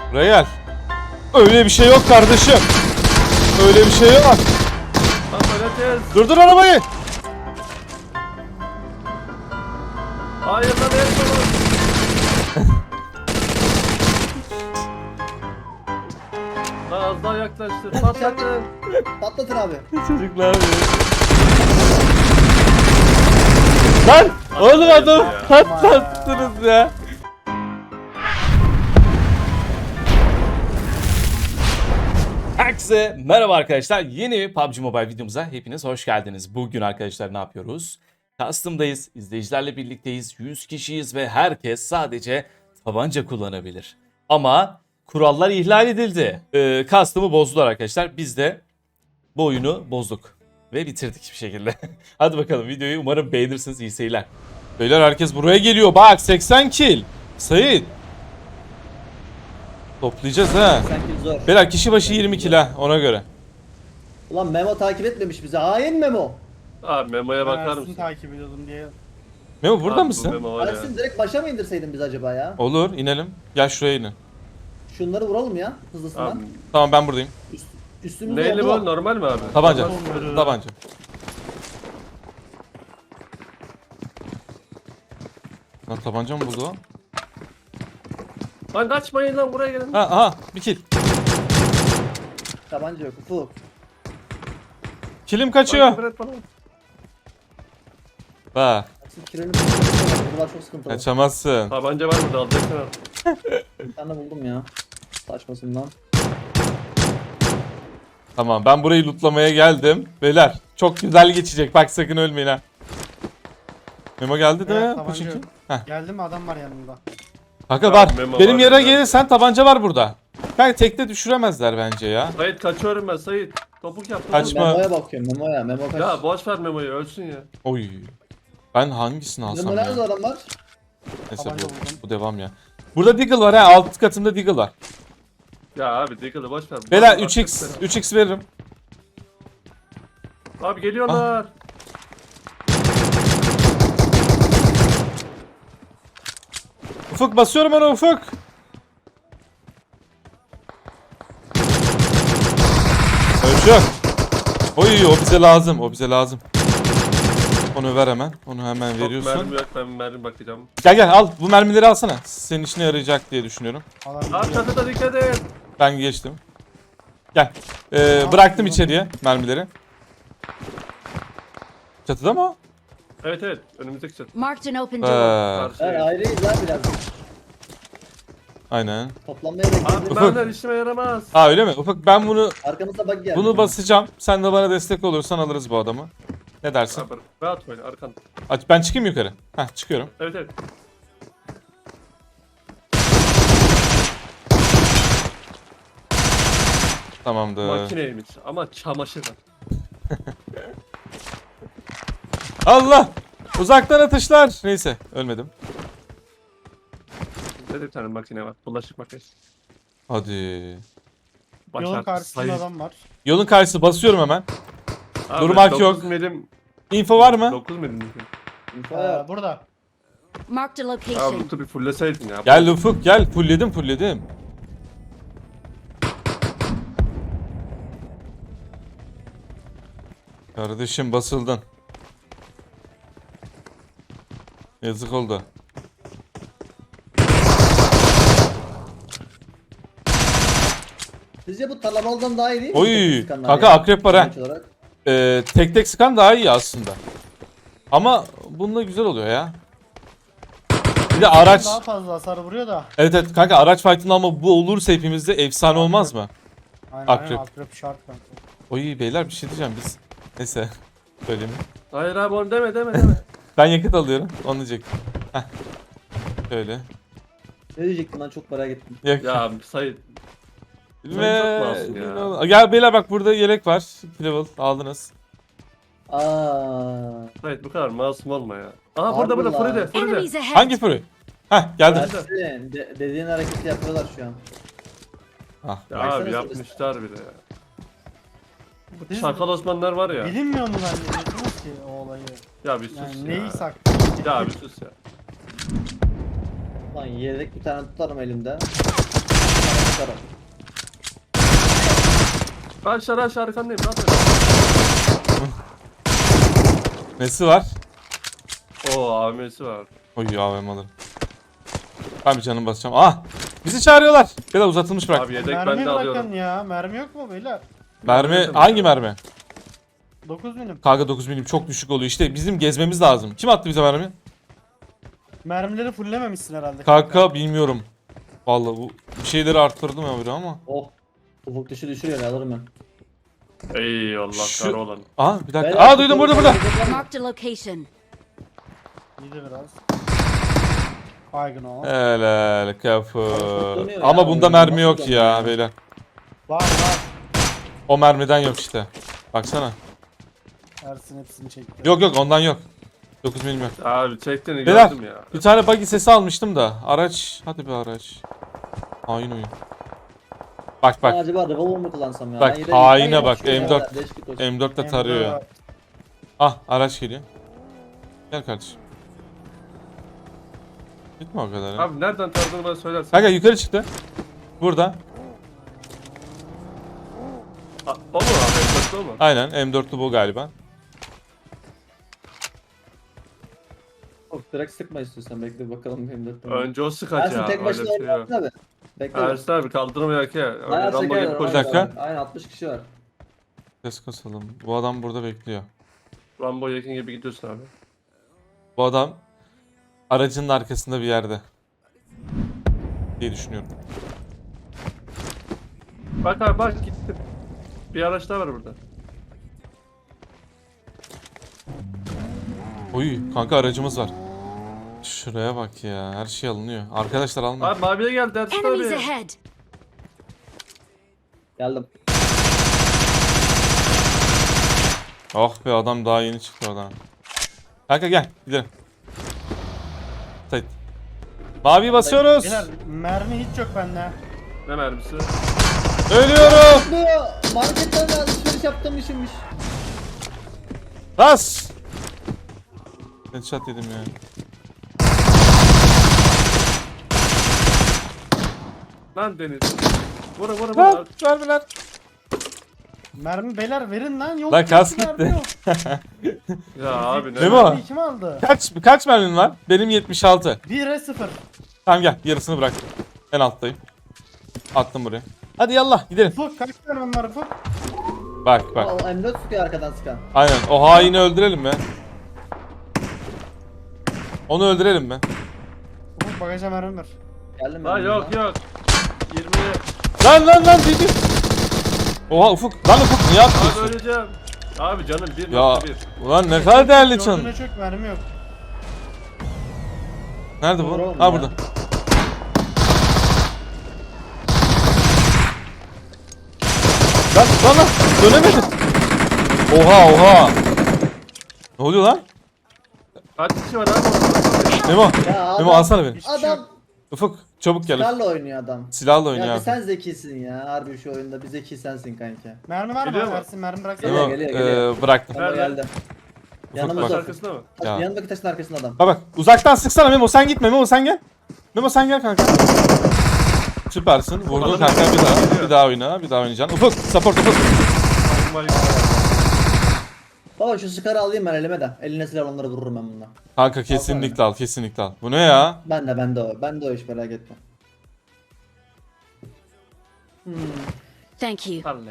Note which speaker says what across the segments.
Speaker 1: Buraya gel. Öyle bir şey yok kardeşim. Öyle bir şey yok. Durdur arabayı.
Speaker 2: Hayır lan el sonu. Lan az daha yaklaştır. Patlatın.
Speaker 3: Patlatın abi.
Speaker 1: Çocuklar ya. Lan oğlum adam patlattınız ya. Herkese merhaba arkadaşlar. Yeni bir PUBG Mobile videomuza hepiniz hoş geldiniz. Bugün arkadaşlar ne yapıyoruz? Custom'dayız, izleyicilerle birlikteyiz, 100 kişiyiz ve herkes sadece tabanca kullanabilir. Ama kurallar ihlal edildi. Custom'ı bozdular arkadaşlar. Biz de bu oyunu bozduk ve bitirdik bir şekilde. Hadi bakalım videoyu umarım beğenirsiniz. İyi seyirler. Beyler herkes buraya geliyor. Bak 80 kill. Sait. Toplayacağız ha.
Speaker 3: Sanki zor.
Speaker 1: Beyler kişi başı 20 kill ha ona göre.
Speaker 3: Ulan Memo takip etmemiş bizi. Hain Memo.
Speaker 2: Abi Memo'ya bakar
Speaker 4: Ersin
Speaker 2: mısın?
Speaker 4: takip ediyordum diye.
Speaker 1: Memo burada
Speaker 2: Abi bu
Speaker 1: mısın?
Speaker 2: Memo var ya.
Speaker 3: Ersin direkt başa mı indirseydin biz acaba ya?
Speaker 1: Olur inelim. Gel şuraya inin.
Speaker 3: Şunları vuralım ya hızlısından.
Speaker 2: Abi,
Speaker 1: Tamam ben buradayım.
Speaker 3: Üstümüzde
Speaker 2: neyli
Speaker 3: oldu
Speaker 2: bu?
Speaker 3: mu?
Speaker 2: Normal mi abi?
Speaker 1: Tabanca.
Speaker 4: Olmadı.
Speaker 1: Tabanca. Lan tabanca mı buldu o?
Speaker 2: Lan kaçmayın lan buraya gelin.
Speaker 1: Ha aha bir kill.
Speaker 3: Tabanca yok. Ufuk.
Speaker 1: Killim
Speaker 2: Lan
Speaker 1: kaçıyor.
Speaker 2: küfür et bana.
Speaker 1: Bak
Speaker 3: Ersin kireni buralar çok sıkıntılı.
Speaker 1: kaçamazsın.
Speaker 2: Tabanca var mı? Dalacaksın abi.
Speaker 3: Bir tane buldum ya. Saçmasından.
Speaker 1: Tamam ben burayı lootlamaya geldim. Beyler çok güzel geçecek bak sakın ölmeyin ha. Memo geldi de
Speaker 4: Evet,
Speaker 1: bu
Speaker 4: tabanca
Speaker 1: çünkü.
Speaker 4: yok.
Speaker 1: Heh.
Speaker 4: Geldi mi adam var yanında.
Speaker 1: Kanka
Speaker 2: Ya,
Speaker 1: var.
Speaker 2: Memo
Speaker 1: Benim
Speaker 2: var
Speaker 1: yere
Speaker 2: ya.
Speaker 1: gelirsen tabanca var burada. Kanka tekte düşüremezler bence ya.
Speaker 2: Sait kaçıyorum ben Sait. Topuk yaptım.
Speaker 1: Kaçma.
Speaker 3: Memo'ya bakıyorum. Memo'ya. Memo kaç.
Speaker 2: Ya boş ver Memo'yu ölsün ya.
Speaker 1: Oy. Ben hangisini alsam
Speaker 3: Memo nerede
Speaker 1: ya?
Speaker 3: adamlar?
Speaker 1: Neyse
Speaker 4: Tabanca
Speaker 1: bu,
Speaker 4: buldum.
Speaker 1: bu devam ya. Burada Deagle var ha alt katımda Deagle var.
Speaker 2: Ya abi Deagle'ı boş ver.
Speaker 1: Beyler
Speaker 2: Bak,
Speaker 1: 3x
Speaker 2: bak,
Speaker 1: 3x veririm.
Speaker 2: Abi geliyorlar.
Speaker 1: Ufuk basıyorum ona Ufuk. Ölçüyor. Oy o bize lazım o bize lazım. Onu ver hemen. Onu hemen
Speaker 2: Çok
Speaker 1: veriyorsun.
Speaker 2: mermi yok ben mermi bakacağım.
Speaker 1: Gel gel al bu mermileri alsana. Senin işine yarayacak diye düşünüyorum.
Speaker 4: Adam
Speaker 2: Abi
Speaker 4: gidiyor.
Speaker 2: çatıda dikkat et.
Speaker 1: Ben geçtim. Gel. Bıraktım içeriye mermileri. Çatıda mı o?
Speaker 2: Evet evet önümüzdeki çatı.
Speaker 5: Marked an open door.
Speaker 2: Karşı.
Speaker 3: Evet ayrıyız lan biraz.
Speaker 1: Aynen.
Speaker 3: Toplanmaya
Speaker 2: Abi
Speaker 3: bekleyelim.
Speaker 2: bu mermiler işime yaramaz.
Speaker 1: Ha öyle mi? Ufuk ben bunu
Speaker 3: Arkamızda bug geldi.
Speaker 1: basacağım. Sen de bana destek olursan alırız bu adamı. Ne dersin?
Speaker 2: Abi rahat oyna arkan.
Speaker 1: Aç ben çıkayım yukarı. Heh çıkıyorum.
Speaker 2: Evet evet.
Speaker 1: Tamamdır.
Speaker 2: Makineymiş ama çamaşır var.
Speaker 1: Allah! Uzaktan atışlar. Neyse ölmedim.
Speaker 2: Bizde de bir tane makine var. Bulaşık makinesi.
Speaker 1: Hadi.
Speaker 4: Yolun karşısında
Speaker 2: sayı.
Speaker 4: adam var.
Speaker 1: Yolun karşısı basıyorum hemen.
Speaker 2: Abi,
Speaker 1: Durmak
Speaker 2: 9
Speaker 1: yok.
Speaker 2: Milim,
Speaker 1: Info var mı?
Speaker 2: 9 milim.
Speaker 4: Burada.
Speaker 5: Marked a
Speaker 2: Abi
Speaker 5: location.
Speaker 2: bu bir fullleseydin ya.
Speaker 1: Gel Ufuk gel. Fullledim fullledim. Kardeşim basıldın. Yazık oldu.
Speaker 3: Sizce bu tarlamalıdan daha iyi değil mi?
Speaker 1: Oy!
Speaker 3: Sıkanlar
Speaker 1: Kanka
Speaker 3: ya,
Speaker 1: akrep var ha.
Speaker 3: sonuç olarak.
Speaker 1: Tek tek sıkan daha iyi aslında. Ama bununla güzel oluyor ya. Bir de araç.
Speaker 4: Daha fazla hasar vuruyor da.
Speaker 1: Evet evet kanka araç fight'ında ama bu olursa hepimizde efsane olmaz mı?
Speaker 4: Aynen
Speaker 1: Akrep.
Speaker 4: aynen akrep şart kanka.
Speaker 1: Oy beyler bir şey diyeceğim biz. Neyse. Söyleyeyim.
Speaker 2: Hayır abi onu deme.
Speaker 1: Ben yakıt alıyorum. Onu diyecektim. Heh. Şöyle.
Speaker 3: Ne diyecektim lan çok merak ettim.
Speaker 1: Yak.
Speaker 2: Ya Sayit.
Speaker 1: Ve...
Speaker 2: Sen çok masum ya.
Speaker 1: Gel beyler bak burada yelek var. 2 level aldınız.
Speaker 3: Aaa.
Speaker 2: Sayit bu kadar masum olma ya. Aha
Speaker 3: Harbi
Speaker 2: burada
Speaker 3: lan.
Speaker 2: Furide.
Speaker 5: Enemies ahead.
Speaker 1: Hangi furu? Heh geldim.
Speaker 3: Ersin dediğin hareketi yapıyorlar şu an.
Speaker 1: Ah.
Speaker 2: Ya
Speaker 3: Baksana
Speaker 2: abi
Speaker 3: şurası.
Speaker 2: yapmışlar bile ya. Bu
Speaker 4: Biz-
Speaker 2: çakal Osmanlılar var ya.
Speaker 4: Bilinmiyor mu zannediyorsunuz ki o olayı?
Speaker 2: Ya bir sus
Speaker 4: Yani
Speaker 2: ya.
Speaker 4: neyi sak?
Speaker 2: Ya bir sus ya.
Speaker 3: Lan yedek bir tane tutarım elimde.
Speaker 2: Aşağı arkandayım. Ne yapıyorsun?
Speaker 1: Nesi var?
Speaker 2: Oo AVM'si var.
Speaker 1: Oy AVM alırım. Ben bir canım basacağım. Ah! Bizi çağırıyorlar. Bir de uzatılmış bırak.
Speaker 2: Abi yedek
Speaker 4: Mermi
Speaker 2: ben de
Speaker 4: bırakın
Speaker 2: alıyorum.
Speaker 4: ya. Mermi yok mu beyler?
Speaker 1: Mermi hangi mermi?
Speaker 4: 9 milim.
Speaker 1: Kanka 9 milim çok düşük oluyor. İşte bizim gezmemiz lazım. Kim attı bize mermi?
Speaker 4: Mermileri fulllememişsin herhalde.
Speaker 1: Kanka bilmiyorum. Vallahi bu bir şeyleri arttırdım ya biri ama.
Speaker 3: Oh. Ufuk dışı düşürüyor ya alırım ben.
Speaker 2: Eyvallah
Speaker 1: Şu-
Speaker 2: kar olan.
Speaker 1: Aa bir dakika.
Speaker 3: Beyler,
Speaker 1: Aa duydum burada.
Speaker 5: Marked a location.
Speaker 4: İyiydi biraz. Baygın o.
Speaker 1: Helal kapı.
Speaker 3: Kullanıyor
Speaker 1: Ama
Speaker 3: ya,
Speaker 1: bunda
Speaker 3: oyunu
Speaker 1: mermi
Speaker 3: nasıl
Speaker 1: yok
Speaker 3: kullanıyor
Speaker 1: ya
Speaker 3: ya?
Speaker 1: beyler.
Speaker 4: Var.
Speaker 1: O mermiden yok işte. Baksana.
Speaker 4: Ersin hepsini çekti.
Speaker 1: Yok ondan yok. 9 milim yok.
Speaker 2: Abi çektiğini
Speaker 1: Beyler
Speaker 2: gördüm ya.
Speaker 1: bir tane buggy sesi almıştım da. Araç. Hadi bir araç. Hain oyun. Bak bak.
Speaker 3: Acaba revolver mu kullansam ya?
Speaker 1: Bak,
Speaker 3: Ben yine-
Speaker 1: haine
Speaker 3: ben
Speaker 1: bak,
Speaker 3: yine-
Speaker 1: M4.
Speaker 3: Değişik olsun.
Speaker 1: M4 de
Speaker 4: Hem
Speaker 1: tarıyor
Speaker 4: de
Speaker 1: ya. Ah araç geliyor. Gel kardeşim. Gitme o kadar ya.
Speaker 2: Abi nereden tanıdığını bana söylersin.
Speaker 1: Kanka yukarı çıktı. Burada.
Speaker 2: O mu abi? O mu?
Speaker 1: Aynen M4'lü bu galiba.
Speaker 3: Of, direkt sıkma istiyorsan bekle bakalım benim de.
Speaker 2: Önce o sıkaç
Speaker 3: Ersin
Speaker 2: ya.
Speaker 3: tek
Speaker 2: Öyle
Speaker 3: başına
Speaker 2: bir şey yok.
Speaker 3: oynasın abi. Bekle.
Speaker 2: Ersin abi kaldırmayak ya. Öyle
Speaker 3: Bayağı
Speaker 2: Rambo
Speaker 3: çeker,
Speaker 2: gibi
Speaker 3: aynen.
Speaker 1: Bir
Speaker 2: koşacak.
Speaker 1: dakika.
Speaker 3: Aynen 60 kişi var.
Speaker 1: Ses kasalım. Bu adam burada bekliyor.
Speaker 2: Rambo yakın gibi gidiyorsun abi.
Speaker 1: Bu adam aracının arkasında bir yerde. Diye düşünüyorum.
Speaker 2: Bak abi bak gittim. Bir araç daha var burada.
Speaker 1: Oy kanka aracımız var. Şuraya bak ya. Her şey alınıyor. Arkadaşlar almıyor.
Speaker 2: Abi maviye geldi Ersin
Speaker 5: Enemies
Speaker 2: abi.
Speaker 5: ahead.
Speaker 3: Geldim.
Speaker 1: Oh be adam daha yeni çıktı oradan. Kanka gel gidelim. Sait. Mavi basıyoruz.
Speaker 4: Beyler mermi hiç yok bende.
Speaker 2: Ne mermisi?
Speaker 1: Ölüyorum.
Speaker 3: Bu marketten de alışveriş yaptığım işimmiş.
Speaker 1: Bas. Headshot yedim ya.
Speaker 2: Lan Deniz. Vura.
Speaker 1: Lan vermeler.
Speaker 4: Mermi beyler verin lan. Yok.
Speaker 1: Lan
Speaker 4: yok,
Speaker 1: kas
Speaker 4: mermi
Speaker 1: gitti.
Speaker 4: yok.
Speaker 2: Ya abi ne?
Speaker 1: Memo.
Speaker 4: Mermi kim aldı?
Speaker 1: Kaç mermin var? Benim 76.
Speaker 4: 1'e 0.
Speaker 1: Tamam gel yarısını bırak. En alttayım. Attım buraya. Hadi yallah gidelim.
Speaker 4: Ufuk kaç mermim var Ufuk?
Speaker 1: Bak
Speaker 3: O
Speaker 1: bak.
Speaker 3: M4 sıkıyor arkadan sıkan.
Speaker 1: Aynen o haini öldürelim mi? Onu öldürelim mi?
Speaker 4: Ufuk bagaja mermim var.
Speaker 3: Geldim
Speaker 2: Lan
Speaker 3: ben.
Speaker 2: yok. 20.
Speaker 1: Lan dedi. Oha Ufuk. Lan Ufuk niye
Speaker 2: Abi
Speaker 1: atıyorsun?
Speaker 2: öleceğim. Abi canım 1.1.
Speaker 1: Ya ulan ne kadar değerli çan.
Speaker 4: Gördüğüne çok mermi yok.
Speaker 1: Nerede bu?
Speaker 3: Vuralım
Speaker 1: Ha
Speaker 3: ya.
Speaker 1: burada. Lan dönemedim. Oha. Ne oluyor lan?
Speaker 2: Kaç kişi var abi orada?
Speaker 1: Memo.
Speaker 3: Ya adam,
Speaker 1: Memo alsana beni.
Speaker 3: Adam
Speaker 1: Ufuk çabuk gel.
Speaker 3: silahla oynuyor adam.
Speaker 1: Silahla oyna
Speaker 3: Ya
Speaker 1: abi.
Speaker 3: bir sen zekisin ya. Harbi şu oyunda bir zeki sensin kanka.
Speaker 4: Mermi var
Speaker 2: Geliyor
Speaker 4: mı?
Speaker 2: mu?
Speaker 4: Ersin mermi bıraksana.
Speaker 3: Geliyor,
Speaker 1: Memo,
Speaker 3: geliyor.
Speaker 1: bıraktım.
Speaker 3: Ama
Speaker 2: Nerede?
Speaker 3: geldi.
Speaker 2: Taş
Speaker 3: Yanımızda.
Speaker 2: arkasında mı?
Speaker 1: Ya.
Speaker 3: Yanındaki taşın arkasında adam.
Speaker 1: Bak uzaktan sıksana Memo sen gitme Memo sen gel. Memo sen gel kanka. Süpersin. Vurdun
Speaker 2: Adam
Speaker 1: kanka bir daha.
Speaker 2: geliyor.
Speaker 1: Bir daha oyna. Bir daha oynayacaksın. Ufuk support Ufuk.
Speaker 2: Vay.
Speaker 3: Baba şu sıkarı alayım ben elime de. Eline silah onları vururum ben bununla.
Speaker 1: Kanka kesinlikle al kesinlikle al. Bu ne ya?
Speaker 3: Ben de o. Ben de o iş merak etme.
Speaker 5: Thank you.
Speaker 2: Anne.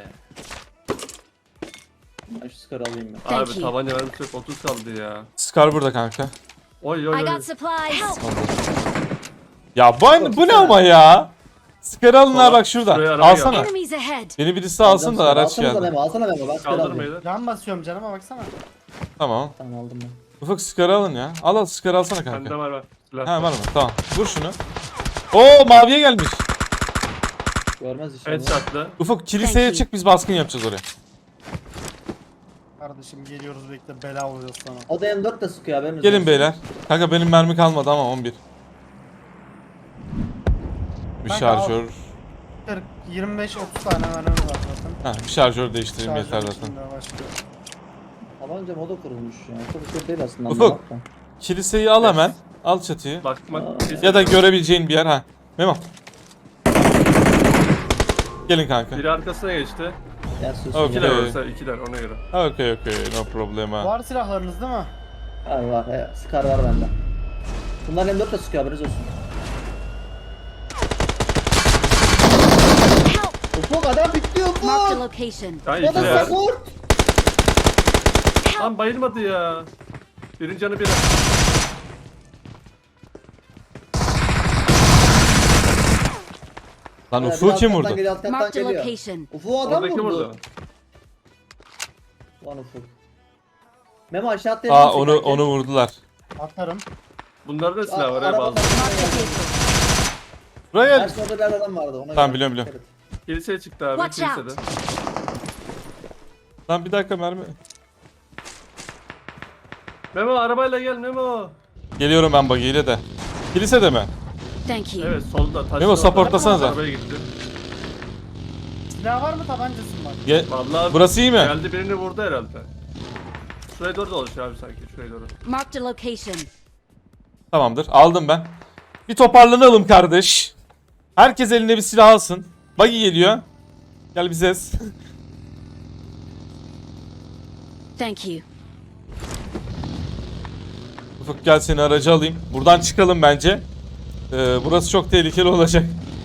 Speaker 3: Ben şu sıkarı alayım ben.
Speaker 5: Thank
Speaker 2: Abi
Speaker 5: you.
Speaker 2: tabanca mermisi yok 30 kaldı ya.
Speaker 1: Scar burada kanka.
Speaker 2: Oy
Speaker 5: I
Speaker 2: oy oy.
Speaker 5: got supplies. Help.
Speaker 1: Ya bu ne ama ya? Scar alın ha
Speaker 2: Sola,
Speaker 1: bak şurada.
Speaker 2: şuraya araba
Speaker 1: Alsana.
Speaker 5: Enemies ahead.
Speaker 1: Beni birisi alsın da araç
Speaker 3: Alsana
Speaker 1: geldi.
Speaker 3: Memo, alsana Memo. Ben sıkarı alayım.
Speaker 2: Kaldırmayın.
Speaker 4: Can basıyorum canıma baksana.
Speaker 1: Tamam.
Speaker 3: Tamam aldım ben.
Speaker 1: Ufuk Scar alın ya. Al Scar alsana
Speaker 2: Bende
Speaker 1: kanka.
Speaker 2: var. Silah.
Speaker 1: Ha var mı? Tamam. Vur şunu. Oo maviye gelmiş.
Speaker 3: Görmez inşallah.
Speaker 2: Headshot'lı.
Speaker 1: Ufuk kiliseye
Speaker 5: Thank you.
Speaker 1: çık biz baskın yapacağız oraya.
Speaker 4: Kardeşim geliyoruz bekle bela oluyoruz sana.
Speaker 3: O da M4 de sıkıyor haberiniz
Speaker 1: Gelin
Speaker 3: olsun.
Speaker 1: beyler. Kanka benim mermi kalmadı ama 11. Bir
Speaker 4: Kanka
Speaker 1: şarjör.
Speaker 4: 40, 25-30 tane mermim var zaten.
Speaker 1: Ha bir şarjör değiştireyim yeter
Speaker 4: Şarjör
Speaker 1: zaten.
Speaker 4: içinde başlıyor.
Speaker 3: Tabanca moda kurulmuş ya. Çok bir şey değil aslında.
Speaker 1: Ufuk.
Speaker 3: anlamak da.
Speaker 1: Kiliseyi al hemen. Al çatıyı.
Speaker 2: Bakmak.
Speaker 1: Ya da görebileceğin bir yer ha. Memo. Gelin kanka.
Speaker 2: Biri arkasına geçti.
Speaker 3: Ya sus.
Speaker 1: Okey.
Speaker 2: İkiler olursa ikiler ona göre.
Speaker 1: Okay, no problema.
Speaker 4: Var silahlarınız değil mi?
Speaker 3: Var. Scar var bende. Bunlar M4 de sıkıyor, haberiniz olsun.
Speaker 5: Help!
Speaker 3: Ufuk adam bitiyor
Speaker 5: Marked a
Speaker 3: Ufuk.
Speaker 5: location.
Speaker 2: Ya
Speaker 3: Bana
Speaker 2: ikiler.
Speaker 3: support.
Speaker 2: Lan bayılmadı ya. Birin canı bir.
Speaker 1: Lan
Speaker 3: Bir
Speaker 1: Ufuk kim
Speaker 3: alt
Speaker 1: vurdu?
Speaker 3: kattan geliyor, alt kattan
Speaker 5: Marked a
Speaker 3: geliyor.
Speaker 5: location.
Speaker 3: Ufuk adam
Speaker 2: Oradaki
Speaker 3: vurdu.
Speaker 2: vurdu.
Speaker 3: Lan Ufuk. Memo aşağı atlayalım.
Speaker 1: Aa onu vurdular.
Speaker 4: Atarım.
Speaker 2: Bunlarda da silah var ya
Speaker 3: Arabadan-
Speaker 2: bazı.
Speaker 5: Marked a vehicle.
Speaker 1: Buraya
Speaker 3: Her
Speaker 1: gel.
Speaker 3: sırada bir adam vardı. Ona
Speaker 1: Tamam,
Speaker 3: göre.
Speaker 1: biliyorum.
Speaker 2: Kiliseye çıktı abi
Speaker 5: Watch
Speaker 2: kilisede.
Speaker 1: Lan bir dakika mermi.
Speaker 2: Memo arabayla gel Memo.
Speaker 1: Geliyorum ben buggy'yle de. Kilisede mi?
Speaker 5: Thank you.
Speaker 2: Evet solda taş.
Speaker 1: Memo, supportlasanıza.
Speaker 2: Arabaya gitti.
Speaker 4: Silah var mı, tabancası mı var?
Speaker 2: Vallahi
Speaker 1: Burası iyi mi?
Speaker 2: geldi birini vurdu herhalde. Şuraya doğru dolaşıyor abi sanki şuraya doğru.
Speaker 5: Marked a location.
Speaker 1: Tamamdır. Aldım ben. Bir toparlanalım kardeş. Herkes eline bir silah alsın. Buggy geliyor. Gel bize.
Speaker 5: Thank you.
Speaker 1: Ufuk gel seni aracı alayım. Buradan çıkalım bence. Burası çok tehlikeli olacak.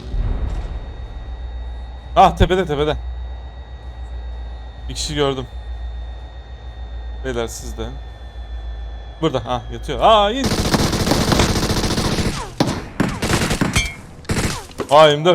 Speaker 1: Ah tepede. Bir kişi gördüm. Beyler siz de. Burada. Ah yatıyor. Aa in. Aa M4.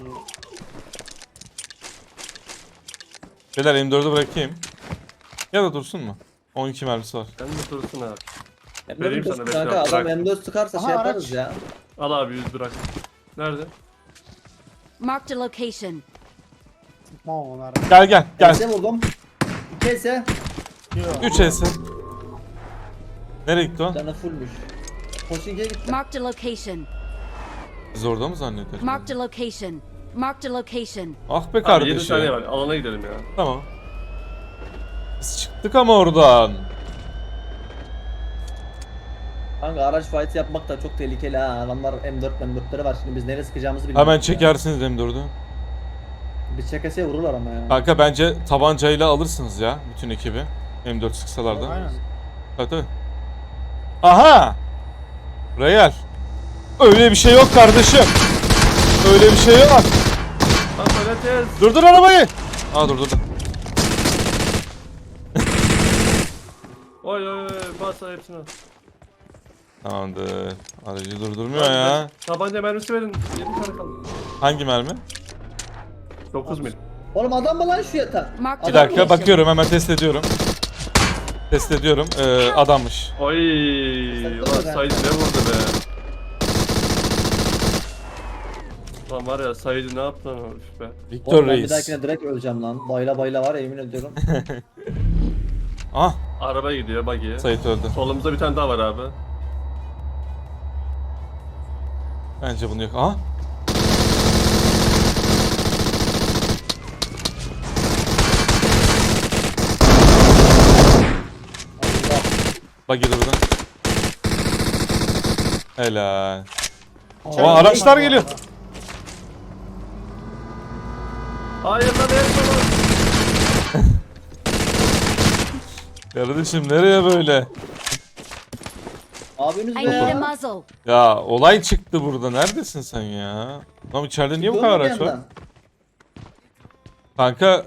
Speaker 1: Beyler M4'ü bırakayım. Ya da dursun mu? 12 mermisi var.
Speaker 2: Sen de dursun abi.
Speaker 3: Vereyim
Speaker 2: sana
Speaker 3: sana
Speaker 2: beş
Speaker 3: kanka,
Speaker 2: lira,
Speaker 3: adam
Speaker 2: bırak.
Speaker 3: M4 sıkarsa şey
Speaker 4: Aha,
Speaker 3: yaparız
Speaker 4: araç.
Speaker 3: ya.
Speaker 2: Al abi 100 bırak. Nerede?
Speaker 5: Marked a location.
Speaker 4: Tamam onlar.
Speaker 1: Gel.
Speaker 3: Ese vurdum. 2 ese.
Speaker 1: 3 S. Nereye gitti o?
Speaker 3: Canı fullmüş. Koşinki'ye gitti.
Speaker 5: Marked a location.
Speaker 1: Biz orada mı zannediyoruz?
Speaker 5: Marked a location. Marked a location.
Speaker 1: Ah be
Speaker 2: Abi 7
Speaker 1: kardeşim.
Speaker 2: saniye var. Alana gidelim ya.
Speaker 1: Tamam. Biz çıktık ama oradan.
Speaker 3: Kanka araç fight yapmak da çok tehlikeli ha. Adamlar M4'leri var. Şimdi biz nereye sıkacağımızı bilmiyoruz.
Speaker 1: Hemen
Speaker 3: ya.
Speaker 1: çekersiniz M4'ü.
Speaker 3: Biz çekeseye vururlar ama ya.
Speaker 1: Kanka bence tabancayla alırsınız ya bütün ekibi. M4 sıksalar da.
Speaker 4: Aynen.
Speaker 1: Tabii. Aha! Buraya gel. Öyle bir şey yok kardeşim. Öyle bir şey yok.
Speaker 2: Lan söyleyeceğiz.
Speaker 1: Durdur arabayı. Aa durdu.
Speaker 2: Oy bas hepsini.
Speaker 1: Tamamdır. Aracı durdurmuyor ya.
Speaker 2: Tabanca mermisi verin. 7 tane kaldı.
Speaker 1: Hangi mermi?
Speaker 2: 9 mil.
Speaker 3: Oğlum adam mı lan şu yatak?
Speaker 5: Marked
Speaker 1: Bir
Speaker 5: a
Speaker 1: dakika
Speaker 5: location.
Speaker 1: bakıyorum hemen test ediyorum. Test ediyorum. Adammış.
Speaker 2: Oy ulan Said ne vurdu be. Lan var ya Said'i ne yaptı lan herif be.
Speaker 1: Victor
Speaker 3: Oğlum ben bir
Speaker 1: Reis.
Speaker 3: dahakine direkt öleceğim lan. Bayla var ya, yemin ediyorum.
Speaker 1: Ah
Speaker 2: Araba gidiyor buggy'ye.
Speaker 1: Sait öldü.
Speaker 2: Solumuzda bir tane daha var abi.
Speaker 1: Bence bunu yok. Aha. Bak gel buradan. Helal. O araçlar geliyor.
Speaker 2: Hayır lan el
Speaker 1: Kardeşim nereye böyle?
Speaker 3: Abimiz
Speaker 5: I
Speaker 3: yok
Speaker 5: need a
Speaker 3: lan.
Speaker 5: muzzle.
Speaker 1: Ya olay çıktı burada. Neredesin sen ya? Lan içeride niye bu kadar araç var? Kanka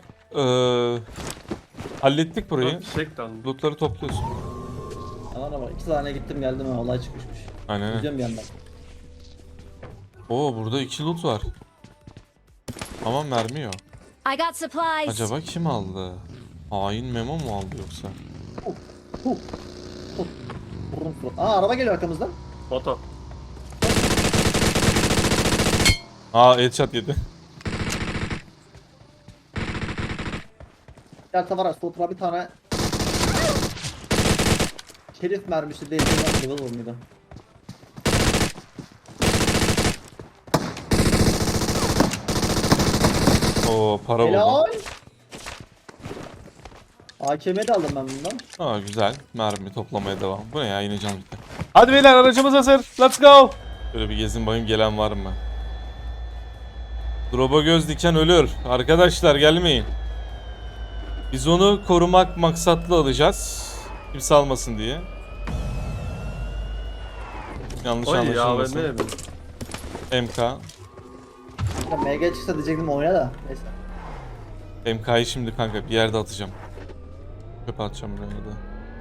Speaker 1: hallettik burayı.
Speaker 2: Çek lan.
Speaker 1: Lootları topluyorsun.
Speaker 3: Aman ama 2 tane gittim geldim ha, olay çıkmışmış.
Speaker 1: Aynen.
Speaker 3: Gidiyorum bir yandan.
Speaker 1: Oo burada 2 loot var. Ama mermi yok.
Speaker 5: I got supplies.
Speaker 1: Acaba kim aldı? Hain Memo mu aldı yoksa?
Speaker 3: Vurun surat. Aa araba geliyor arkamızdan.
Speaker 2: Foto.
Speaker 1: Aa headshot yedi.
Speaker 3: Gel tavara sotra bir tane. Şerif mermisi değil. Level vurmuydu.
Speaker 1: Oo para
Speaker 3: Helal.
Speaker 1: buldu.
Speaker 3: AKM'yi de aldım ben bundan.
Speaker 1: Aa güzel. Mermi toplamaya devam. Bu ne ya yine can bitti. Hadi beyler aracımız hazır. Let's go. Böyle bir gezin bakayım gelen var mı? Drop'a göz diken ölür. Arkadaşlar gelmeyin. Biz onu korumak maksatlı alacağız. Kimse almasın diye. Yanlış
Speaker 2: Oy ya
Speaker 1: anlaşılmasın.
Speaker 2: ben
Speaker 1: MK.
Speaker 3: Ya MG çıksa diyecektim oyuna da. Neyse.
Speaker 1: MK'yı şimdi kanka bir yerde atacağım. Çöpe atacağım buraya da.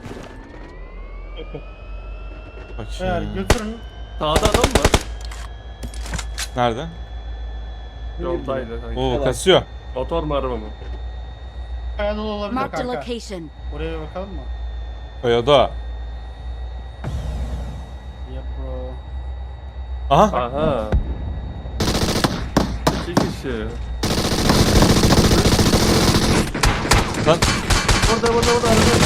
Speaker 4: Eğer
Speaker 1: Bakayım.
Speaker 4: götürün.
Speaker 2: Sağda adam mı?
Speaker 1: Nerede?
Speaker 2: Yoldaydı. sanki.
Speaker 1: Oo
Speaker 3: Evet.
Speaker 1: kasıyor.
Speaker 2: Motor mu araba mı?
Speaker 4: Kaya dolu olabilir
Speaker 5: Marked a
Speaker 4: kanka.
Speaker 5: location.
Speaker 4: Oraya bir bakalım mı?
Speaker 1: Kayada.
Speaker 4: Yap bro.
Speaker 1: Aha.
Speaker 2: Aha. 2 kişi.
Speaker 1: Lan.
Speaker 2: Burada araba.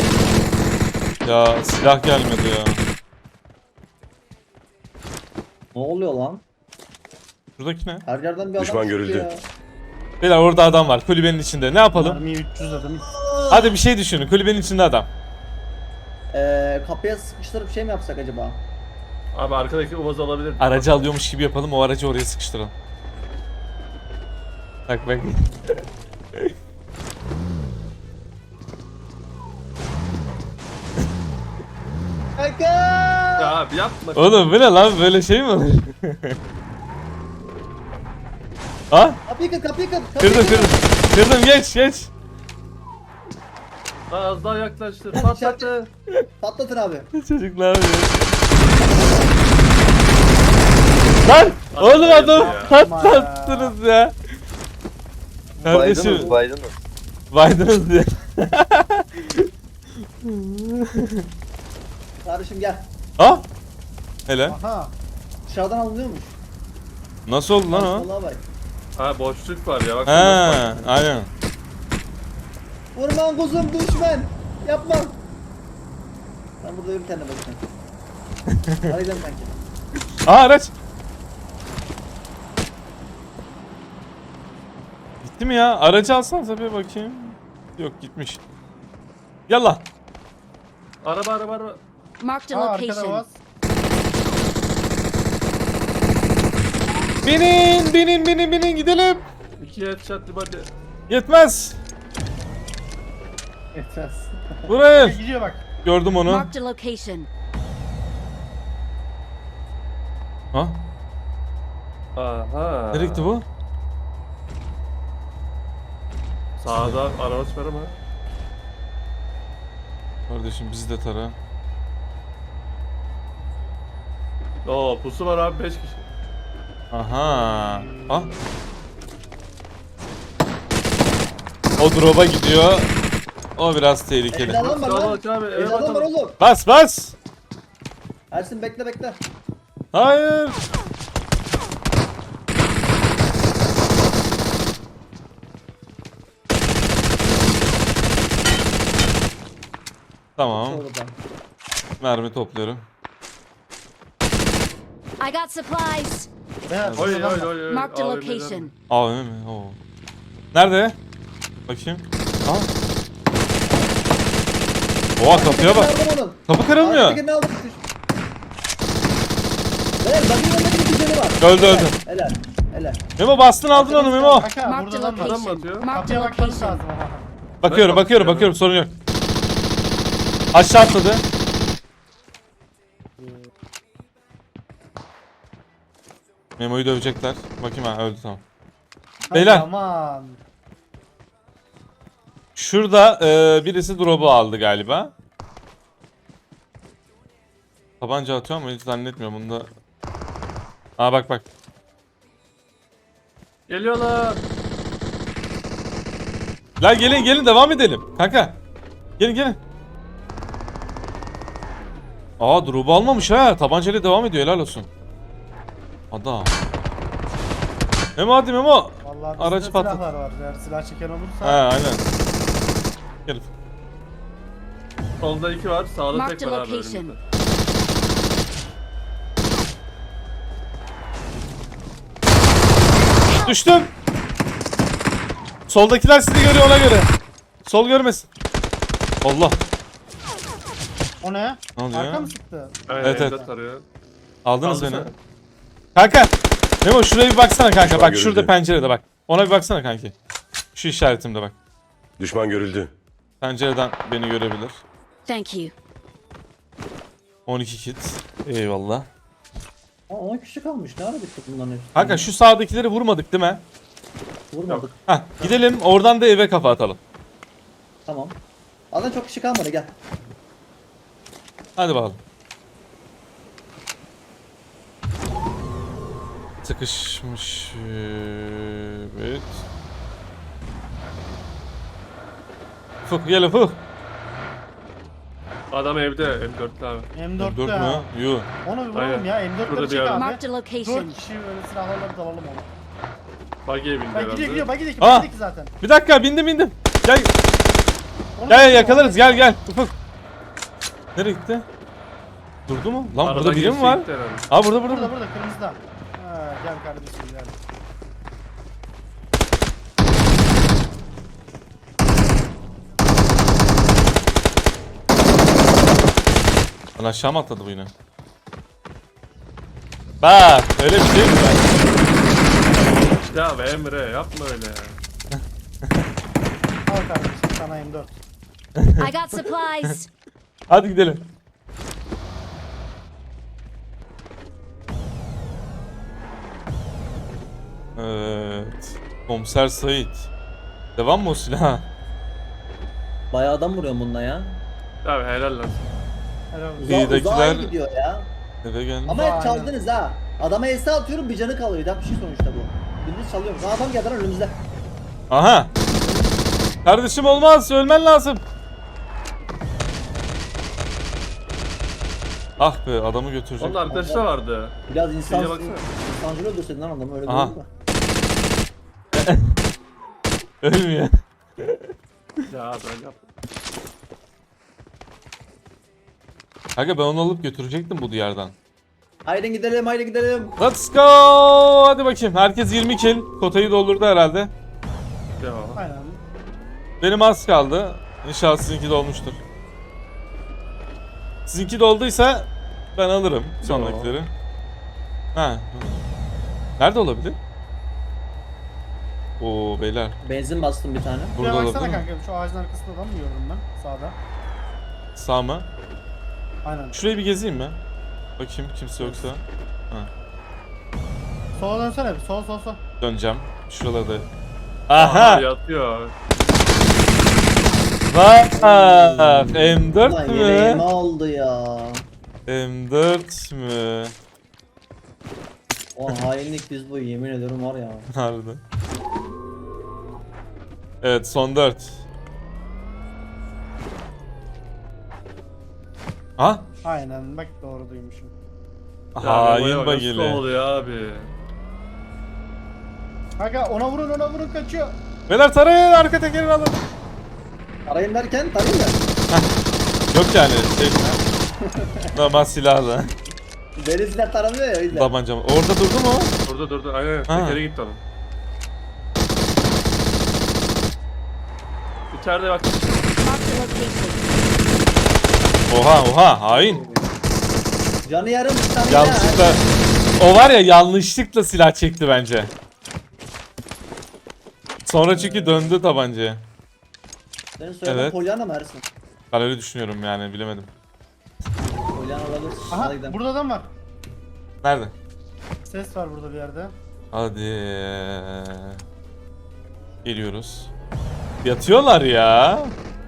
Speaker 1: Ya silah gelmedi ya.
Speaker 3: Ne oluyor lan?
Speaker 1: Şuradaki ne?
Speaker 3: Her yerden bir adam
Speaker 6: Düşman
Speaker 3: çıktı
Speaker 6: görüldü.
Speaker 3: ya.
Speaker 1: Beyler orada adam var kulübenin içinde. Ne yapalım?
Speaker 4: Mermi 300 dedim.
Speaker 1: Hadi bir şey düşünün. Kulübenin içinde adam.
Speaker 3: Kapıya sıkıştırıp şey mi yapsak acaba?
Speaker 2: Abi arkadaki uvaz olabilir.
Speaker 1: Aracı alıyormuş gibi yapalım. O aracı oraya sıkıştıralım. Bak bak.
Speaker 3: Kanka!
Speaker 2: Ya abi yapma.
Speaker 1: Oğlum bu ne lan? Böyle şey mi olur? Ha?
Speaker 3: Kapıyı kır, kapıyı kır.
Speaker 1: Kırdım kırdım. Kırdım geç.
Speaker 2: Lan az daha yaklaştır. Patlattı.
Speaker 3: Patlatın abi.
Speaker 1: Çocuklar ya. Lan! Oğlum adam
Speaker 2: ya.
Speaker 1: patlattınız ya. Kardeşim. Baydınız diye.
Speaker 3: Kardeşim gel.
Speaker 1: Ha? Hele.
Speaker 4: Aha.
Speaker 3: Dışarıdan alınıyormuş.
Speaker 1: Nasıl oldu lan o?
Speaker 3: Vallahi bak.
Speaker 2: Ha boşluk var ya bak.
Speaker 1: He, aynen.
Speaker 3: Vurman kuzum düşman. Yapma. Ben burada yürü kendine bakayım. Hadi gidelim kanki.
Speaker 1: Aa araç. Gitti mi ya? Aracı alsanıza bir bakayım. Yok gitmiş. Gel lan.
Speaker 2: Araba.
Speaker 5: Marked a
Speaker 4: Aa arkada
Speaker 5: location.
Speaker 4: bas.
Speaker 1: Binin gidelim.
Speaker 2: 2 headshot hadi.
Speaker 1: Yetmez.
Speaker 3: Yeter.
Speaker 1: Buraya.
Speaker 4: Gidiyor bak.
Speaker 1: Gördüm onu.
Speaker 5: Marked a location.
Speaker 1: Ha?
Speaker 2: Aha.
Speaker 1: Nereye gitti bu?
Speaker 2: Sağda araç var ama.
Speaker 1: Kardeşim bizi de tara.
Speaker 2: Oo pusu var abi 5 kişi.
Speaker 1: Aha. Ha? O drop'a gidiyor. O biraz tehlikeli.
Speaker 3: Evde adam var lan.
Speaker 2: Kalabalık abi eve
Speaker 3: Evde adam var
Speaker 2: bakalım.
Speaker 3: oğlum.
Speaker 1: Bas.
Speaker 3: Ersin bekle.
Speaker 1: Hayır. Tamam.
Speaker 3: Oradan.
Speaker 1: Mermi topluyorum.
Speaker 5: I got supplies.
Speaker 4: Beyaz.
Speaker 2: Oy
Speaker 4: adam var.
Speaker 2: oy.
Speaker 5: Marked a
Speaker 2: Abi,
Speaker 5: location.
Speaker 1: AVM mi? Oo. Nerede? Bakayım. Aa. Oha kapıya bak.
Speaker 3: Aldım onun.
Speaker 1: Kapı kırılmıyor.
Speaker 3: Arkadakini aldım. Beyler bakın yanındaki bir canı var.
Speaker 1: Öldü.
Speaker 3: Helal.
Speaker 1: Memo bastın aldın onu Memo.
Speaker 4: Kanka
Speaker 5: Marked
Speaker 4: burada
Speaker 5: a
Speaker 4: adam var.
Speaker 2: Adam mı
Speaker 5: location.
Speaker 2: atıyor?
Speaker 5: Marked
Speaker 4: Kapıya
Speaker 5: a
Speaker 4: bakmanız
Speaker 5: location.
Speaker 4: lazım ama.
Speaker 1: Bakıyorum sorun yok. Aşağı atladı. Memo'yu dövecekler. Bakayım ha öldü tamam. Beyler.
Speaker 4: Aman.
Speaker 1: Şurada birisi drop'u aldı galiba. Tabanca atıyor ama hiç zannetmiyorum bunda. Aa bak.
Speaker 2: Geliyorlar.
Speaker 1: La gelin devam edelim. Kanka. Gelin. Aa drop'u almamış ha. Tabancayla devam ediyor helal olsun. Adam. Memo hadi Memo.
Speaker 4: Vallahi bizde
Speaker 1: Aracı patlat.
Speaker 4: silahlar var. Eğer silah çeken olursa.
Speaker 1: He aynen. Gel.
Speaker 2: Solda 2 var. Sağda
Speaker 5: Marked
Speaker 2: tek
Speaker 5: a
Speaker 2: var abi
Speaker 5: location.
Speaker 2: önümüzde.
Speaker 1: Düştüm. Soldakiler sizi görüyor ona göre. Sol görmesin. Allah.
Speaker 4: O ne?
Speaker 1: Ne oluyor
Speaker 4: Arka
Speaker 1: ya?
Speaker 4: mı sıktı?
Speaker 2: Aynen,
Speaker 1: Evet,
Speaker 2: evde
Speaker 1: evet.
Speaker 2: tarıyor.
Speaker 1: Aldınız
Speaker 2: Aldı
Speaker 1: beni.
Speaker 2: sen.
Speaker 1: Kanka. Memo şuraya bir baksana kanka.
Speaker 6: Şu an
Speaker 1: Bak şurada
Speaker 6: görüldü.
Speaker 1: pencerede bak. Ona bir baksana kanki. Şu işaretimde bak.
Speaker 6: Düşman görüldü.
Speaker 1: Pencereden beni görebilir.
Speaker 5: Thank you.
Speaker 1: 12 kit. Eyvallah.
Speaker 3: Aa, 10 kişi kalmış. Ne ara bittik bunların hepsi?
Speaker 1: Kanka şu sağdakileri vurmadık değil mi?
Speaker 3: Vurmadık.
Speaker 1: Heh, gidelim oradan da eve kafa atalım.
Speaker 3: Tamam. Zaten çok kişi kalmadı gel.
Speaker 1: Hadi bakalım. Sıkışmış. Evet. Fık gelin fık.
Speaker 2: Adam evde M4'lü abi.
Speaker 4: M4
Speaker 1: 4
Speaker 4: ya.
Speaker 1: mü? Yuh.
Speaker 4: Onu vuralım
Speaker 2: Aynen.
Speaker 4: ya. M4'le
Speaker 2: Burada
Speaker 4: bir
Speaker 2: bir
Speaker 4: çek
Speaker 2: adam.
Speaker 4: abi.
Speaker 5: Marked a
Speaker 4: 4
Speaker 5: location.
Speaker 4: kişi öyle silahlarla dalalım ona.
Speaker 2: Buggy'e bindi
Speaker 4: Bak
Speaker 2: herhalde.
Speaker 4: gidiyor bak gidiyor.
Speaker 1: Aa!
Speaker 4: Bak zaten.
Speaker 1: Bir dakika bindim. Gel
Speaker 4: Onu
Speaker 1: gel
Speaker 4: vuralım,
Speaker 1: yakalarız
Speaker 4: onu-
Speaker 1: gel. Ufuk. Nereye gitti? Durdu mu? Lan
Speaker 2: Aradan
Speaker 1: burada biri mi
Speaker 2: geçti
Speaker 1: var?
Speaker 2: gitti herhalde.
Speaker 1: Aa burada.
Speaker 4: Burada kırmızıda. Ha, gel kardeşim gel.
Speaker 1: Lan aşağı mı atladı bu yine? Bak öyle bir şey mi var?
Speaker 2: Ya be Emre yapma öyle ya.
Speaker 4: Al kardeşim sana M4.
Speaker 5: I got supplies.
Speaker 1: Hadi gidelim. Evet. Komiser Sait. Devam mı o silah?
Speaker 3: Bayağı adam vuruyorum bununla ya.
Speaker 2: Abi helal lan.
Speaker 4: Helal olsun.
Speaker 1: İyidekiler-
Speaker 3: Uzağa gidiyor ya.
Speaker 1: Eve gel.
Speaker 3: Ama
Speaker 4: Aynen.
Speaker 3: hep çaldınız ha. Adama ES atıyorum bir canı kalıyor. Da bir şey sonuçta bu. Biriniz çalıyorum. Aa, adam geldi lan önümüzde.
Speaker 1: Aha. Kardeşim olmaz. Ölmen lazım. Ah be adamı götürecek.
Speaker 2: Onun arkadaşı da vardı.
Speaker 3: Biraz
Speaker 2: Şeye baksana.
Speaker 3: insancıl öldürseydin lan adamı öyle
Speaker 1: Aha.
Speaker 3: değil mi?
Speaker 1: Ölmüyor.
Speaker 2: Ya ben yaptım.
Speaker 1: Kanka ben onu alıp götürecektim bu diyardan.
Speaker 3: Haydi gidelim haydi gidelim.
Speaker 1: Let's go. Hadi bakayım. Herkes 20 kill. Kotayı doldurdu herhalde.
Speaker 2: Devam.
Speaker 4: Aynen.
Speaker 1: Benim az kaldı. İnşallah sizinki dolmuştur. Sizinki dolduysa ben alırım sonrakileri. Ha. Nerede olabilir? Oo beyler.
Speaker 3: Benzin bastım bir tane.
Speaker 1: Burada
Speaker 4: Şuraya
Speaker 1: olabilir
Speaker 4: baksana
Speaker 1: mi?
Speaker 4: kanka şu ağacın arkasında adam mı gördüm ben sağda.
Speaker 1: Sağ mı?
Speaker 4: Aynen.
Speaker 1: Şurayı bir gezeyim mi? Bakayım kimse yoksa.
Speaker 4: Sola dönsene bir sol.
Speaker 1: Döneceğim. Şuralarda.
Speaker 2: Aha
Speaker 1: Aha!
Speaker 2: yatıyor.
Speaker 1: Bak! M4
Speaker 3: Ulan yeleğime
Speaker 1: mü?
Speaker 3: oldu ya.
Speaker 1: M4 mü?
Speaker 3: O hainlik biz bu yemin ediyorum var ya.
Speaker 1: Harbiden. Evet son 4. Ha?
Speaker 4: Aynen bak doğru duymuşum.
Speaker 1: Hain bagili.
Speaker 2: Nasıl oluyor abi?
Speaker 4: Kanka ona vurun kaçıyor.
Speaker 1: Beyler tarayın arka tekerini alın.
Speaker 3: Arayın derken tarayın da.
Speaker 1: Yok yani şey. Normal silahla.
Speaker 3: Denizler taramıyor ya o yüzden.
Speaker 1: Tabancam. Orada durdu mu?
Speaker 2: Durdu. Aynen.
Speaker 1: Ha.
Speaker 2: Tekeri gitti onun. İçeride bak.
Speaker 5: Marked a location.
Speaker 1: Oha hain.
Speaker 3: Canı yarım bir tane
Speaker 1: Yanlışlıkla. O var ya yanlışlıkla silah çekti bence. Sonra çünkü döndü tabancaya.
Speaker 3: Senin soyadın
Speaker 1: Evet.
Speaker 3: Polyana mı Ersin?
Speaker 1: Ben öyle düşünüyorum yani bilemedim.
Speaker 3: Polyana olabilir.
Speaker 4: Aha
Speaker 3: Hadi gidelim.
Speaker 4: burada adam var.
Speaker 1: Nerede?
Speaker 4: Ses var burada bir yerde.
Speaker 1: Hadi. Geliyoruz. Yatıyorlar ya.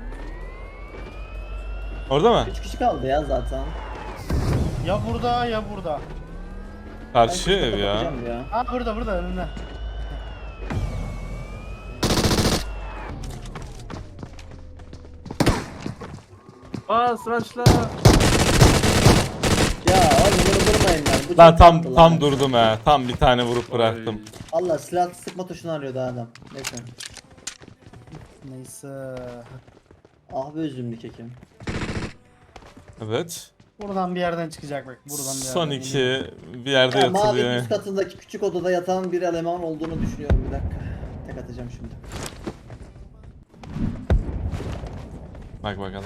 Speaker 1: Orada mı?
Speaker 3: 3 kişi kaldı ya zaten.
Speaker 4: Ya burada ya burada.
Speaker 1: Karşı
Speaker 3: Ben
Speaker 1: ev ya.
Speaker 3: bakacağım ya.
Speaker 4: Ha burada önümde.
Speaker 2: Sıraçla.
Speaker 3: Ya oğlum bunu vurmayın lan. Bu
Speaker 1: Ben
Speaker 3: çok
Speaker 1: tam
Speaker 3: tatlı lan.
Speaker 1: durdum he. Tam bir tane vurup bıraktım.
Speaker 3: Allah silah sıkma tuşunu arıyordu adam. Neyse.
Speaker 4: Neyse.
Speaker 3: Ah be üzümlü kekim.
Speaker 1: Evet.
Speaker 4: Buradan bir yerden çıkacak bak. Buradan bir yerden.
Speaker 1: Son iki bir yerde
Speaker 3: Ya, mavi
Speaker 1: yatılıyor.
Speaker 3: üst katındaki küçük odada yatan bir eleman olduğunu düşünüyorum bir dakika. Tek atacağım şimdi.
Speaker 1: Bak bakalım.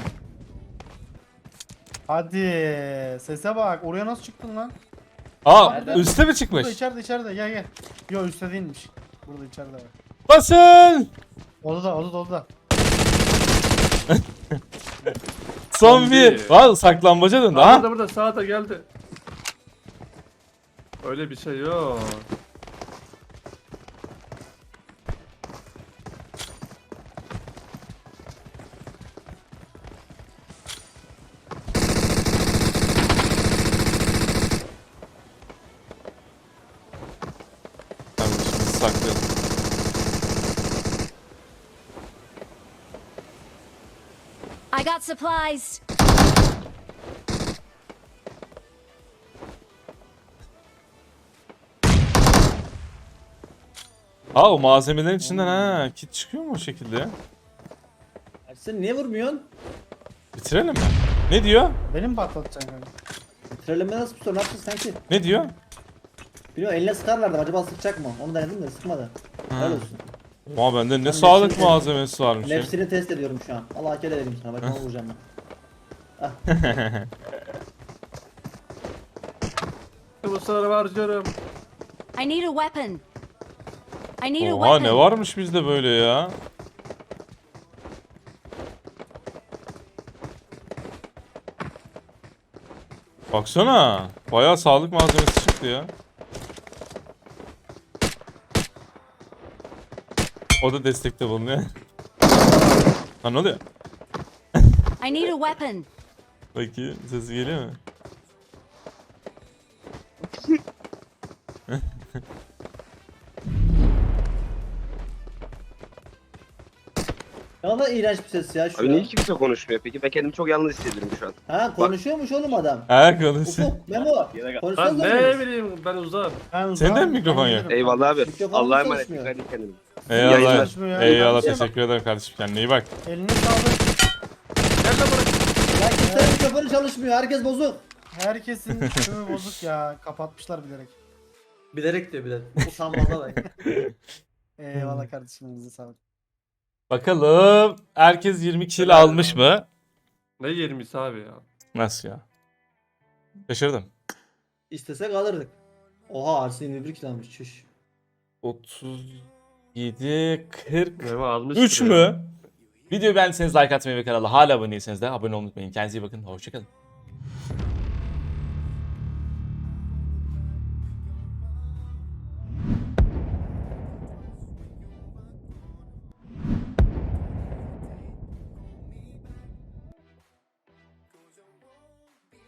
Speaker 4: Hadi sese bak. Oraya nasıl çıktın lan?
Speaker 1: Aa
Speaker 3: Nerede?
Speaker 1: üste mi çıkmış?
Speaker 4: Burada içeride gel. Yo üstte değilmiş. Burada içeride bak.
Speaker 1: Basın!
Speaker 4: Odada.
Speaker 1: Son bir. Var saklambaca döndü
Speaker 2: Aa,
Speaker 1: ha.
Speaker 2: burada sağda geldi. Öyle bir şey yok.
Speaker 1: Tamam şimdi saklayalım.
Speaker 5: I got supplies.
Speaker 1: Ha o malzemelerin içinden ha kit çıkıyor mu o şekilde ya?
Speaker 3: Sen niye vurmuyorsun?
Speaker 1: Bitirelim mi? Ne diyor?
Speaker 4: Benim mi patlatacaksın kanka?
Speaker 3: Bitirelim mi nasıl tutuyor? Ne yapacağız sanki?
Speaker 1: Ne diyor?
Speaker 3: Bilmiyorum eline sıkarlardı acaba sıkacak mı? Onu denedim de sıkmadı. Helal olsun.
Speaker 1: Ama bende ne
Speaker 3: Ben
Speaker 1: sağlık
Speaker 3: nefsini-
Speaker 1: malzemesi varmış ya.
Speaker 3: Nefsini test ediyorum şu an. Allah akıl edelim sana. Bak onu vuracağım ben.
Speaker 2: Bu sıra harcıyorum.
Speaker 5: I need a weapon. I need a
Speaker 1: Oha
Speaker 5: weapon.
Speaker 1: ne varmış bizde böyle ya. Baksana. Bayağı sağlık malzemesi çıktı ya. O da destekte bulunuyor. Ha ne oluyor?
Speaker 5: I need a weapon.
Speaker 1: Bakayım sesi geliyor mu?
Speaker 3: Ne kadar iğrenç bir ses ya şu
Speaker 6: Abi
Speaker 3: an.
Speaker 6: niye kimse konuşmuyor peki? Ben kendimi çok yalnız hissediyorum şu an.
Speaker 3: Ha konuşuyormuş oğlum adam.
Speaker 1: Ha konuşuyor.
Speaker 3: Ufuk, Memo.
Speaker 2: Ben
Speaker 3: Konuşsanız
Speaker 2: ne bileyim ben uzağım.
Speaker 4: Ben
Speaker 1: Senin de
Speaker 4: uzağım,
Speaker 1: mi mikrofon
Speaker 4: ben
Speaker 1: yok?
Speaker 4: gelirim.
Speaker 6: Eyvallah abi.
Speaker 3: Mikrofon
Speaker 6: Allah'a emanet.
Speaker 3: çalışmıyor.
Speaker 6: Dikkat et kendine.
Speaker 1: Eyvallah.
Speaker 6: Yayınlar.
Speaker 1: Eyvallah
Speaker 3: Yayınlar.
Speaker 1: teşekkür ederim kardeşim kendine iyi bak.
Speaker 4: Elini sağlık.
Speaker 2: Gel lan buraya.
Speaker 3: Ya kimsenin mikrofonu çalışmıyor. Herkes bozuk.
Speaker 4: Herkesin tümü bozuk ya. Kapatmışlar bilerek.
Speaker 3: Bilerek diyor bilerek. Utanmaza da.
Speaker 4: Eyvallah kardeşim, elinize sağlık.
Speaker 1: Bakalım herkes 20 kill almış mı?
Speaker 2: Ne 20'si abi ya.
Speaker 1: Nasıl ya? Şaşırdım.
Speaker 3: İstesek alırdık. Oha Arsi 21 kilo almış. Çüş.
Speaker 1: 37 40
Speaker 2: Memo almış.
Speaker 1: 3 mü? Videoyu beğendiyseniz like atmayı ve kanala hala abone değilseniz de abone olmayı unutmayın. Kendinize iyi bakın. Hoşçakalın.